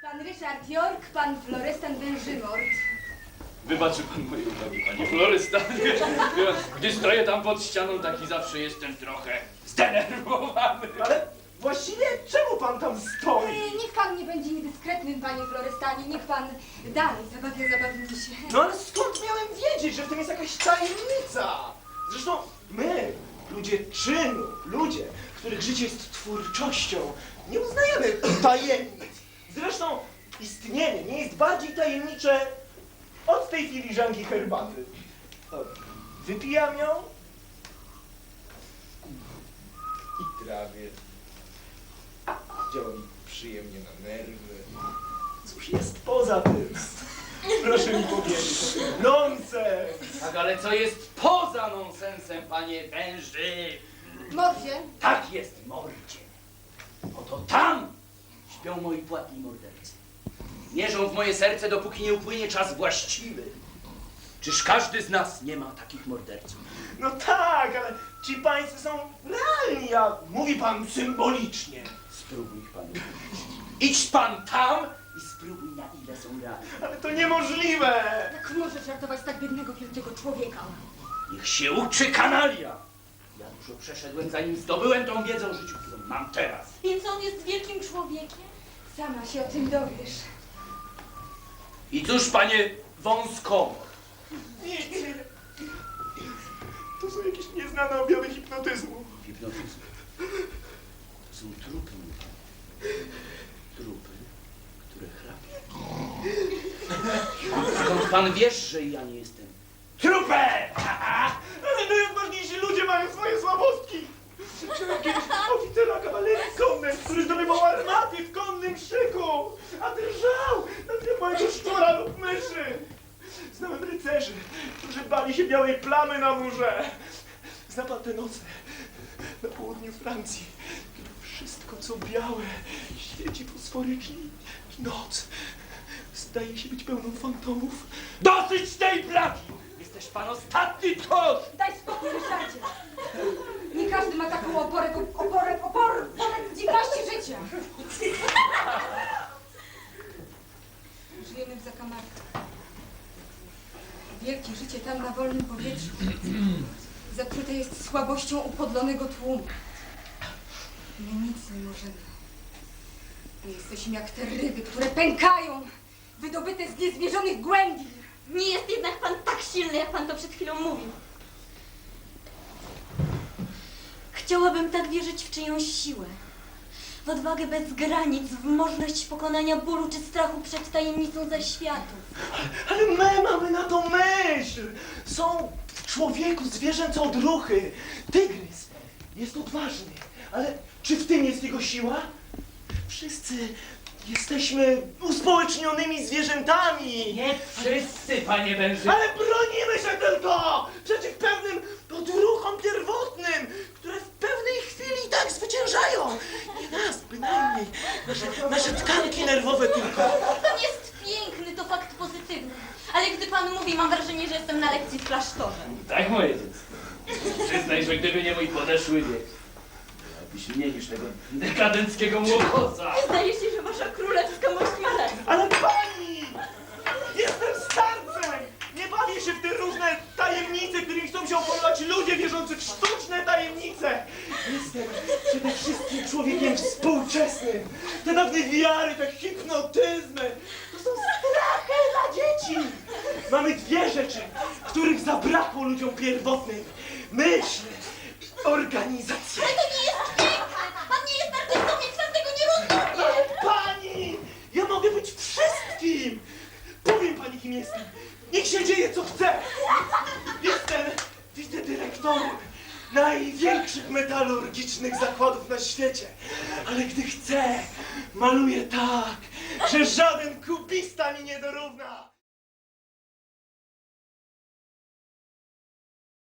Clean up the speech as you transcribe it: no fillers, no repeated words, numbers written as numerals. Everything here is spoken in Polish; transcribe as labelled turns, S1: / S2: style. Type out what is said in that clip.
S1: Pan Ryszard York, pan Florestan Wężymort.
S2: Wybaczy pan moje uwagi, panie Florestan, gdy stoję tam pod ścianą, taki zawsze jestem trochę zdenerwowany.
S3: Ale właściwie czemu pan tam stoi?
S1: Niech pan nie będzie niedyskretnym, panie Florestanie. Niech pan dalej zabawni się.
S3: No ale skąd miałem wiedzieć, że w tym jest jakaś tajemnica? Zresztą my, ludzie czynu, ludzie, których życie jest twórczością, nie uznajemy tajemnic. Zresztą istnienie nie jest bardziej tajemnicze od tej filiżanki herbaty. O, wypijam ją i trawię. Działa mi przyjemnie na nerwy. Cóż jest poza tym? Proszę mi powiedzieć. Nonsens!
S2: Tak, ale co jest poza nonsensem, panie węży?
S1: Mordzie,
S2: Tak jest, mordzie. Oto tam śpią moi płatni mordercy. Mierzą w moje serce, dopóki nie upłynie czas właściwy. Czyż każdy z nas nie ma takich morderców?
S3: No tak, ale ci pańscy są realni, a mówi pan symbolicznie.
S2: Spróbuj pan. Idź pan tam i spróbuj, na ile są realne.
S3: Ale to niemożliwe!
S1: jak możesz żartować z tak biednego, wielkiego człowieka?
S2: Niech się uczy kanalia. Ja dużo przeszedłem, zanim zdobyłem tą wiedzę o życiu, którą mam teraz.
S4: Więc on jest wielkim człowiekiem?
S1: Sama się o tym dowiesz.
S2: I cóż, panie wąskowo,
S3: Nie. To są jakieś nieznane objawy hipnotyzmu.
S2: hipnotyzm. To są trupy, mój panie. Trupy, które chrapią. Skąd pan wiesz, że ja nie jestem?
S3: Trupę! Ale najodważniejsi ludzie mają swoje słabostki. Znałem kiedyś oficera kawalerii konnej, który zdobywał armaty w konnym szyku, a drżał na tle mojego szczura lub myszy. Znałem rycerzy, którzy bali się białej plamy na murze. Zna pan te noce na południu Francji, kiedy wszystko co białe świeci fosforycznie i noc zdaje się być pełną fantomów.
S2: Dosyć tej braki! Jesteś pan ostatni tchórz!
S1: Daj spokój, Ryszardzie. Nie każdy ma taką oporę w dzikości życia. Żyjemy w zakamarkach. Wielkie życie tam na wolnym powietrzu zatrute jest słabością upodlonego tłumu. My nic nie możemy. My jesteśmy jak te ryby, które pękają, wydobyte z niezmierzonych głębi.
S4: Nie jest jednak pan tak silny, jak pan to przed chwilą mówił. Chciałabym tak wierzyć w czyjąś siłę. W odwagę bez granic, w możliwość pokonania bólu czy strachu przed tajemnicą zaświatów.
S3: Ale my mamy na to myśl! Są w człowieku zwierzęce odruchy. Tygrys jest odważny, ale czy w tym jest jego siła? Wszyscy jesteśmy uspołecznionymi zwierzętami.
S2: Nie wszyscy, panie węży!
S3: Ale bronimy się tylko przeciw pewnym odruchom pierwotnym, które w pewnej chwili i tak zwyciężają. Nie nas bynajmniej, nasze tkanki nerwowe tylko.
S4: Pan jest piękny, to fakt pozytywny. Ale gdy pan mówi, mam wrażenie, że jestem na lekcji w klasztorze.
S2: Tak, moje dziecko. Przyznaj, że gdyby nie mój podeszły wiek, miałbyś mniej niż tego dekadenckiego młokosa.
S4: Zdaje się, że wasza królewska mość ma rację.
S3: Ale pani! Jestem starcem! Nie bawię się w te różne tajemnice, którymi chcą się opolować ludzie wierzący w sztuczne tajemnice! Jestem przede wszystkim człowiekiem współczesnym. Te dawne wiary, te hipnotyzmy, to są strachy dla dzieci! Mamy dwie rzeczy, których zabrakło ludziom pierwotnym. Myśl i organizacja.
S4: Ale to nie jest piękne! Pan nie jest artystą, więc pan tego nie rozumie!
S3: Pani! Ja mogę być wszystkim! Powiem pani, kim jestem. Niech się dzieje, co chce. Jestem wicedyrektorem największych metalurgicznych zakładów na świecie. Ale gdy chcę, maluję tak, że żaden kubista mi nie dorówna.